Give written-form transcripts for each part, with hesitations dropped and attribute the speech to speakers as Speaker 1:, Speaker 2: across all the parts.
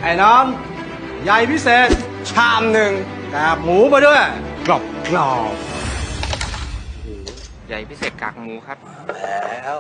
Speaker 1: ไอ้น้องใหญ่พิเศษชามหนึ่งกากหมูมาด้วย กรอบกรอบ
Speaker 2: ใหญ่พิเศษกากหมูครับ
Speaker 1: แล้ว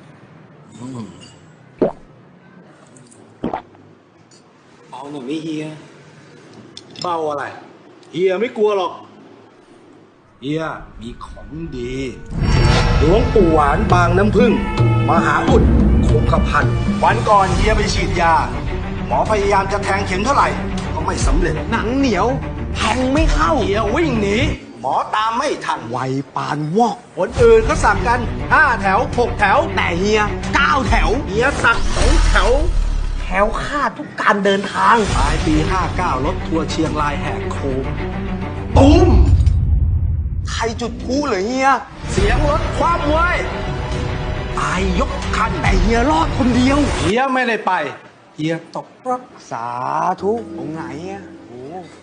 Speaker 1: เอาหน่อยไม่เฮียเบาอะไรเฮียไม่กลัวหรอกเฮียมีของดีหลวงปู่หวานบางน้ำพึ่งมหาอุดคงกระพันวันก่อนเฮียไปฉีดยาหมอพยายามจะแทงเข็มเท่าไหร่ก็ไม่สำเร็จหนังเหนียวแทงไม่เข้าเฮียวิ่งหนีหมอตามไม่ทันไวปานวอกคนอื่นก็สักกัน5 แถว 6 แถวแต่เฮีย9 แถวเฮียสัก2 แถวแถวค่าดทุกการเดินทางปลายปี59รถทัวร์เชียงรายแหกโค้งตุ้มใครจุดพลุเหรอเฮียเสียงรถคว่ำเว้ยตายยกคันแต่เฮียรอดคนเดียวเฮียไม่ได้ไปเฮียตกรักสาธุองค์ไหนอ่ะโอ้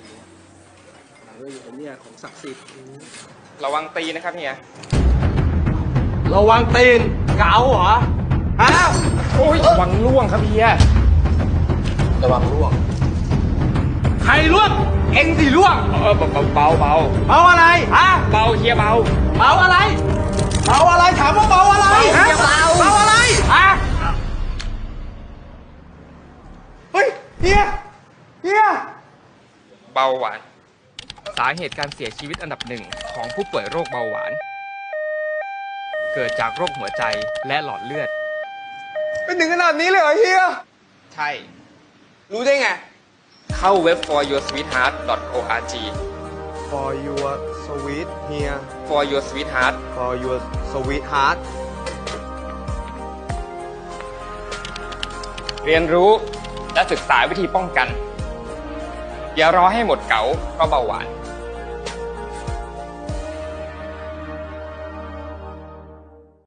Speaker 1: เนี่ยของศักดิ์สิทธิ์
Speaker 2: ระวังตีนะครับเฮีย
Speaker 1: ระวังตีนเกาเหรอฮะ
Speaker 2: โอ้ยระวังล่วงครับเฮีย
Speaker 1: ระวังร่วงใครร่วงเอ็งสิร่วง
Speaker 2: เบา
Speaker 1: เบาอะไรฮะ
Speaker 2: เบาเฮียเบา
Speaker 1: เบาอะไรเบาอะไรถามว่าเบาอะไรฮะ
Speaker 2: เบา
Speaker 1: เบาอะไรฮะเฮ้ยเฮีย
Speaker 2: เบาหวาน สาเหตุการเสียชีวิตอันดับหนึ่งของผู้ป่วยโรคเบาหวาน เกิดจากโรคหัวใจและหลอดเลือด
Speaker 1: เป็นถึงขนาดนี้เลยเหรอเฮีย
Speaker 2: ใช่
Speaker 1: รู้ได้ไง
Speaker 2: เข้าเว็บ foryoursweetheart.org
Speaker 1: For your sweet เฮีย
Speaker 2: for your sweetheart
Speaker 1: For your sweetheart
Speaker 2: เรียนรู้และศึกษาวิธีป้องกัน อย่ารอให้หมดเก๋าเพราะเบาหวาน